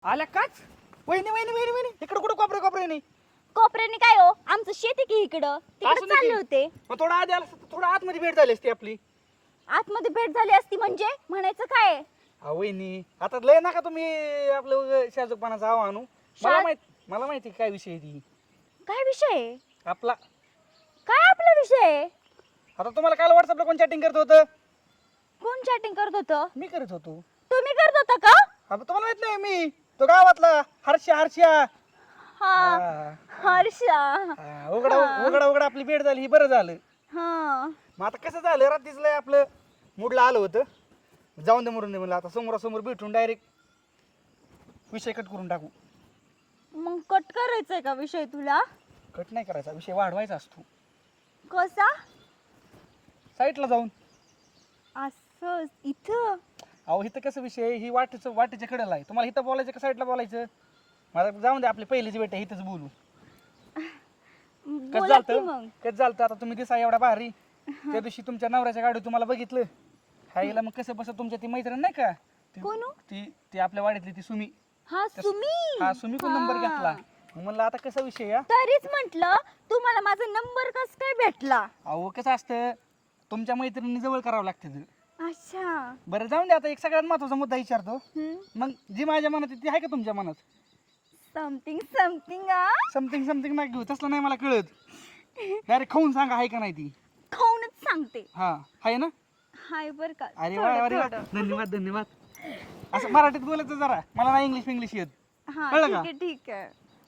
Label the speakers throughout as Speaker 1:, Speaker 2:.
Speaker 1: आल्या काच वहिनी वहिनी वहिनी वहिनी इकडे कुठं कोपरे नाही
Speaker 2: कोपऱ्याने काय हो, आमचं शेती की इकडं तिकडे
Speaker 1: असू दे
Speaker 2: चालले
Speaker 1: की.
Speaker 2: होते.
Speaker 1: मग थोडा आधी आला असता तर थोडा आतमध्ये भेट झाली असती आपली.
Speaker 2: आतमध्ये भेट झाली असती म्हणजे म्हणायचं काय?
Speaker 1: हा वहिनी आता लय नका तुम्ही आपलं शाजूकपणाचा आव आणू. मला माहिती काय विषय आहे ती
Speaker 2: काय विषय आहे?
Speaker 1: आपला.
Speaker 2: काय आपला विषय आहे?
Speaker 1: आता तुम्हाला काल व्हॉट्सअपला कोण चॅटिंग करत होतं?
Speaker 2: कोण चॅटिंग करत होतं?
Speaker 1: मी करत होतो.
Speaker 2: तुम्ही करत होता का?
Speaker 1: आता तुम्हाला माहित नाही मी तो गावातला हर्षा.
Speaker 2: हा,
Speaker 1: हा.
Speaker 2: हर्षा.
Speaker 1: हा, उघडा आपली भेट झाली ही बरं झालं.
Speaker 2: हा,
Speaker 1: मग आता कसं झालं रात्रीच लय आपलं मूडला आलं होतं. जाऊन दे मरून दे म्हणलं आता समोरासमोर भेटून डायरेक्ट विषय कट करून टाकू.
Speaker 2: मग कट करायचंय का विषय तुला?
Speaker 1: कट नाही करायचा, विषय वाढवायचा असतो
Speaker 2: कसा?
Speaker 1: साईटला जाऊन.
Speaker 2: असं इथं?
Speaker 1: अहो इथं कसं विषय आहे, ही वाटेच्या कडेला आहे. तुम्हाला इथं बोलायचं का साईडला बोलायचं? मला जाऊन दे आपली पहिलीची भेट आहे इथंच बोलू. कसं
Speaker 2: बोला की
Speaker 1: झालं
Speaker 2: मग.
Speaker 1: कसं झालं आता तुम्ही दिसा एवढा भारी त्या दिवशी तुमच्या नवऱ्याच्या गाडीत तुम्हाला बघितलं हायला. मग कसं बसं तुमच्या ती मैत्रीण नाही का
Speaker 2: कोण हो?
Speaker 1: ती आपल्या वाडीतली ती सुमी.
Speaker 2: हा, सुमी.
Speaker 1: हा सुमी कोण नंबर
Speaker 2: हा.
Speaker 1: घेतला. मग म्हणलं आता कसा विषय या.
Speaker 2: तरीच म्हंटल तुम्हाला माझा नंबर कस काय भेटला?
Speaker 1: अहो कसं असतं तुमच्या मैत्रिणी जवळ करावं लागतं.
Speaker 2: अच्छा.
Speaker 1: बरं जाऊन दे आता एक सगळ्यात महत्वाचा मुद्दा विचारतो.
Speaker 2: हम्म.
Speaker 1: मग जी माझ्या मनात आहे ती आहे का तुमच्या मनात?
Speaker 2: समथिंग
Speaker 1: समथिंग नाही घेऊ तसलं नाही मला कळत. डायरेक्ट खाऊन सांगा आहे का नाही ती.
Speaker 2: खाऊनच सांगते.
Speaker 1: हा आहे ना?
Speaker 2: हाय बर का.
Speaker 1: अरे
Speaker 2: थोडं,
Speaker 1: वा अरे वा
Speaker 2: थोडं.
Speaker 1: धन्यवाद. असं मराठीत बोलायचं जरा, मला नाही इंग्लिश येत.
Speaker 2: हा,
Speaker 1: कळलं
Speaker 2: ठीक
Speaker 1: का?
Speaker 2: आहे ठीक आहे.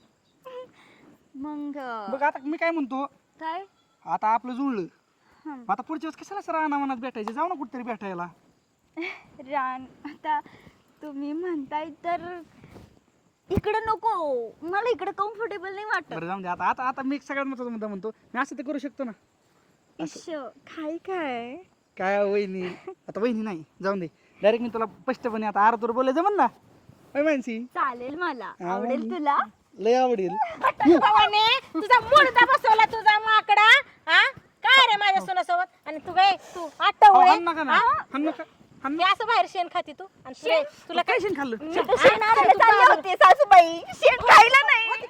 Speaker 2: मग
Speaker 1: बघ आता मी काय म्हणतो,
Speaker 2: काय?
Speaker 1: आता आपलं जुळलं.
Speaker 2: हं.
Speaker 1: आता पुढच्या वेळेस कशाला सर मनात भेटायचं, जाऊ ना कुठतरी भेटायला.
Speaker 2: रान आता तुम्ही म्हणताय तर इकडं नको, मला इकडं कम्फर्टेबल नाही वाटत.
Speaker 1: बरं जाऊन दे आता मी एक सगळ्यात महत्वाचा मुद्दा म्हणतो, मी असं ते करू शकतो ना.
Speaker 2: इश काय काय
Speaker 1: काय वहिनी आता वहिनी नाही जाऊन दे डायरेक्ट मी तुला स्पष्टपणे आता आरतूर बोलायचं म्हण ना. मानसी
Speaker 2: चालेल, मला
Speaker 1: हा,
Speaker 2: आवडेल
Speaker 1: मग.
Speaker 2: तुला.
Speaker 1: लय आवडेल.
Speaker 3: भावाने तुझा मुडदा बसवला तुझा माकडा. हा काय रे माझ्या सोनासोबत आणि तू काय तू आठवळे
Speaker 1: हाण नका ना, हाण नका.
Speaker 3: मी असं बाहेर शेण खाती तू आणि तुला
Speaker 1: काय शेण खाल्लं?
Speaker 2: मी तर शेण आणायला चालले होते सासूबाई, शेण खायला नाही.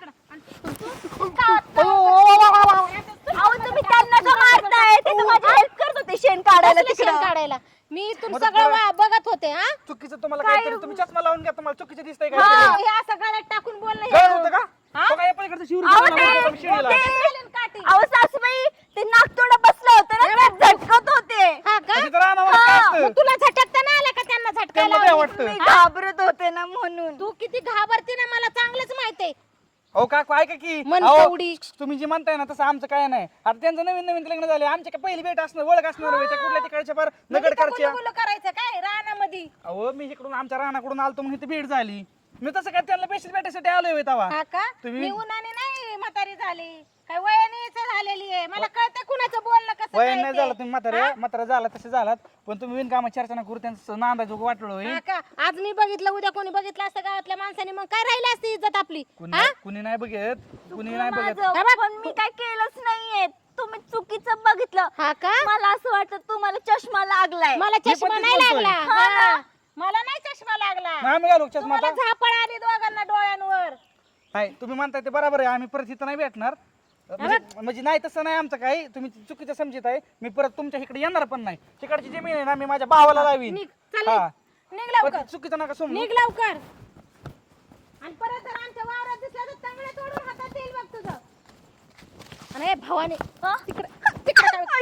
Speaker 2: अहो तुम्ही त्यांना का मारताय? ते तर माझी हेल्प करत होते शेण काढायला
Speaker 3: कसलं शेण
Speaker 2: तिकडं.
Speaker 3: काढायला मी इथून
Speaker 1: मदत
Speaker 3: सगळं
Speaker 1: करा.
Speaker 3: बघत होते. हा
Speaker 1: चुकीचं तुम्हाला
Speaker 2: काय
Speaker 1: काहीतरी तुम्ही चष्मा लावून घ्या, तुम्हाला चुकीचं दिसतंय
Speaker 3: हा,
Speaker 1: काय?
Speaker 3: हे असं गळ्यात टाकून बोलणं
Speaker 1: गळत
Speaker 3: हे.
Speaker 1: होतं का?
Speaker 3: हा?
Speaker 1: तो काय पलीकडचं शिवून
Speaker 2: अहो,
Speaker 1: तुम्हाला
Speaker 2: ते-
Speaker 1: मारतो शिडीला.
Speaker 2: ते-
Speaker 3: काठी.
Speaker 2: अहो सासूबाई, ते नागतोडा बसलं होतं ना, ते झटकत होते.
Speaker 3: हा का
Speaker 1: अशी तर रानावर काय असतं?
Speaker 3: मग तुला झटकता नाही आलं का त्यांना
Speaker 1: त्यांना
Speaker 3: झटकायला
Speaker 1: काय वाटतं?
Speaker 2: मी घाबरत होते ना म्हणून.
Speaker 3: तू किती घाबरते ना मला चांगलंच माहितीये.
Speaker 1: अहो काकू ऐका की
Speaker 3: मन
Speaker 1: अहो,
Speaker 3: तेवढी.
Speaker 1: तुम्ही जे म्हणताय ना तसं आमचं काय नाही. आता त्यांचं नवीन लग्न झाले, आमच्या काय पहिली भेट असणार ओळख असणार होय. त्या कुठल्या तिकडच्या फार नगडकरच्या.
Speaker 3: गुलगुल करायचं काय रानामध्ये?
Speaker 1: अहो मी इकडून आमच्या रानाकडून आलतो म्हणून इथे भेट झाली. मी तसं काय त्यांना पेशीच भेटायसाठी आलोय होय तेव्हा.
Speaker 3: हा का?
Speaker 1: तुम्ही-
Speaker 3: मी उन्हाने नाही म्हातारी झाली, काय वयानेच झालेली आहे. मला कळतं कुणाचं बोलणं कसं
Speaker 1: वय
Speaker 3: काय
Speaker 1: नाही
Speaker 3: ते.
Speaker 1: झालं तुम्ही म्हातारा झाला तसे झालात, पण तुम्ही विणकामा चर्चा करू त्यांचं नांदायचं वाटलं होय.
Speaker 3: हा का? आज मी बघितलं, उद्या कोणी बघितलं असतं गावातल्या माणसाने, मग काय राहिली असती इज्जत आपली? हा?
Speaker 1: कुणी नाही बघत, कुणी नाही बघत.
Speaker 2: माझं, पण मी काय केलंच नाहीये. तुम्ही चुकीचं बघितलं.
Speaker 3: हा का?
Speaker 2: मला असं वाटतं तुम्हाला चष्मा लागलाय.
Speaker 3: मला
Speaker 1: मी
Speaker 3: चष्मा
Speaker 1: पण
Speaker 3: नाही
Speaker 1: तेच बोलतोय.
Speaker 3: लागला.
Speaker 2: हा ना.
Speaker 3: हा. मला नाही चष्मा लागला.
Speaker 1: आम्ही घालू चष्मा
Speaker 3: तुम्हाला
Speaker 1: आता?
Speaker 3: झापड आली दोघांना डोळ्यांवर.
Speaker 1: नाही तुम्ही म्हणताय ते बरोबर आहे. आम्ही परत इथं नाही भेटणार. म्हणजे नाही तसं नाही आमचं काही, तुम्ही चुकीचं समजत आहे. मी परत तुमच्या इकडे येणार पण नाही. तिकडची जमीन आहे ना मी माझ्या भावाला लावीन.
Speaker 3: निघ, चल
Speaker 1: हा.
Speaker 3: निघ
Speaker 1: पण
Speaker 3: लवकर.
Speaker 1: ते चुकीचं नका समजू.
Speaker 3: निघ लवकर. आणि परत जर आमच्या वावरात दिसला तर चांगलं तोडून हातात येईल बघ तुझं. आणि हे भावाने तिकडे काय